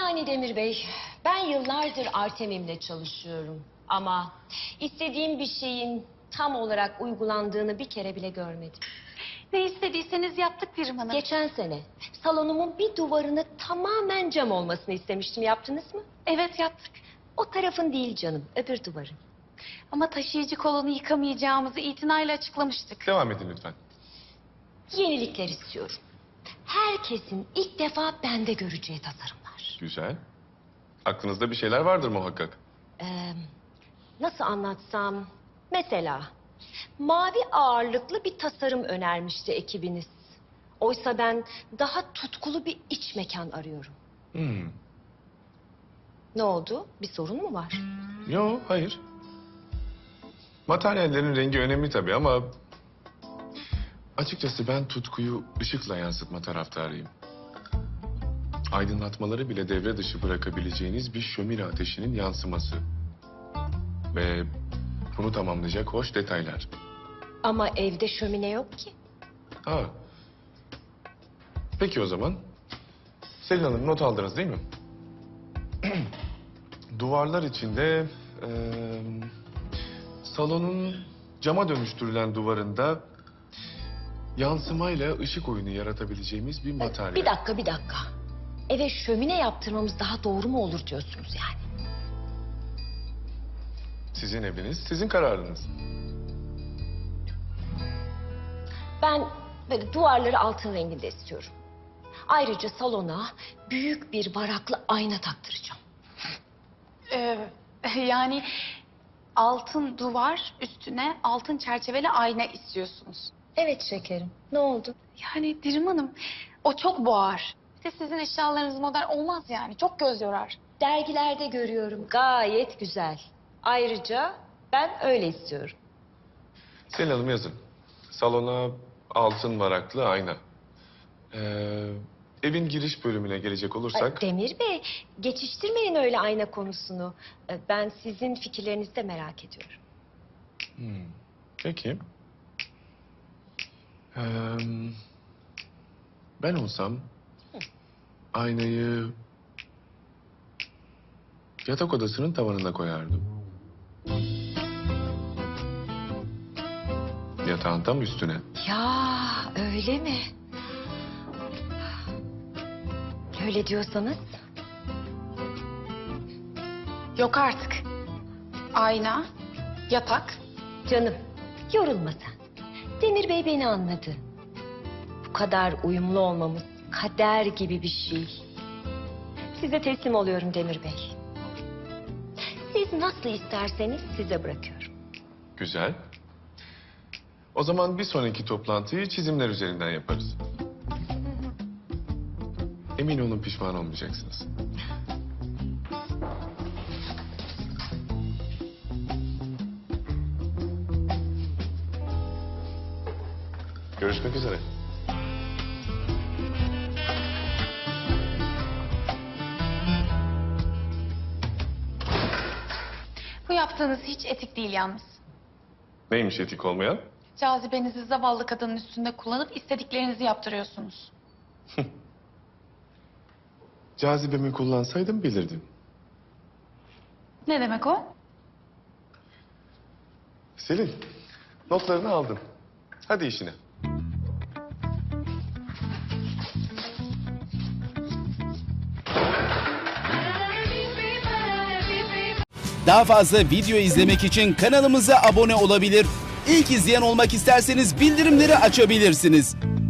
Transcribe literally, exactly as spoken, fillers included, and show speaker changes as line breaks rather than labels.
Yani Demir Bey, ben yıllardır Artemim'le çalışıyorum. Ama istediğim bir şeyin tam olarak uygulandığını bir kere bile görmedim.
Ne istediyseniz yaptık Pirim Hanım.
Geçen sene salonumun bir duvarını tamamen cam olmasını istemiştim. Yaptınız mı?
Evet yaptık.
O tarafın değil canım, öbür duvarın.
Ama taşıyıcı kolonu yıkamayacağımızı itinayla açıklamıştık.
Devam edin lütfen.
Yenilikler istiyorum. Herkesin ilk defa bende göreceği tasarımlar.
Güzel. Aklınızda bir şeyler vardır muhakkak.
Ee, nasıl anlatsam? Mesela mavi ağırlıklı bir tasarım önermişti ekibiniz. Oysa ben daha tutkulu bir iç mekan arıyorum.
Hmm.
Ne oldu? Bir sorun mu var?
Yo, hayır. Materyallerin rengi önemli tabii ama... açıkçası ben tutkuyu ışıkla yansıtma taraftarıyım. Aydınlatmaları bile devre dışı bırakabileceğiniz bir şömine ateşinin yansıması. Ve bunu tamamlayacak hoş detaylar.
Ama evde şömine yok ki.
Ha. Peki o zaman. Selin Hanım not aldınız değil mi? Duvarlar içinde... eee, salonun cama dönüştürülen duvarında... yansımayla ışık oyunu yaratabileceğimiz bir materyal.
Bir dakika, bir dakika. Eve şömine yaptırmamız daha doğru mu olur diyorsunuz yani?
Sizin eviniz, sizin kararınız.
Ben böyle duvarları altın renginde istiyorum. Ayrıca salona büyük bir varaklı ayna taktıracağım.
Ee, yani altın duvar üstüne altın çerçeveli ayna istiyorsunuz.
Evet şekerim. Ne oldu?
Yani Pirim Hanım o çok boğar. Bir de sizin eşyalarınız modern olmaz yani. Çok göz yorar.
Dergilerde görüyorum. Gayet güzel. Ayrıca ben öyle istiyorum.
Selin Hanım yazın. Salona altın varaklı ayna. Ee, evin giriş bölümüne gelecek
Ay,
olursak...
Demir Bey, geçiştirmeyin öyle ayna konusunu. Ee, Ben sizin fikirlerinizi de merak ediyorum.
Hmm, peki. Ee, ben olsam aynayı yatak odasının tavanına koyardım. Yatağın tam üstüne.
Ya öyle mi? Öyle diyorsanız.
Yok artık. Ayna, yatak.
Canım, yorulma sen. Demir Bey beni anladı. Bu kadar uyumlu olmamız kader gibi bir şey. Size teslim oluyorum Demir Bey. Siz nasıl isterseniz size bırakıyorum.
Güzel. O zaman bir sonraki toplantıyı çizimler üzerinden yaparız. Emin olun pişman olmayacaksınız. Görüşmek üzere.
Bu yaptığınız hiç etik değil yalnız.
Neymiş etik olmayan?
Cazibenizi zavallı kadının üstünde kullanıp istediklerinizi yaptırıyorsunuz.
Cazibemi kullansaydım bilirdim.
Ne demek o?
Selin, notlarını aldım. Hadi işine.
Daha fazla video izlemek için kanalımıza abone olabilir. İlk izleyen olmak isterseniz bildirimleri açabilirsiniz.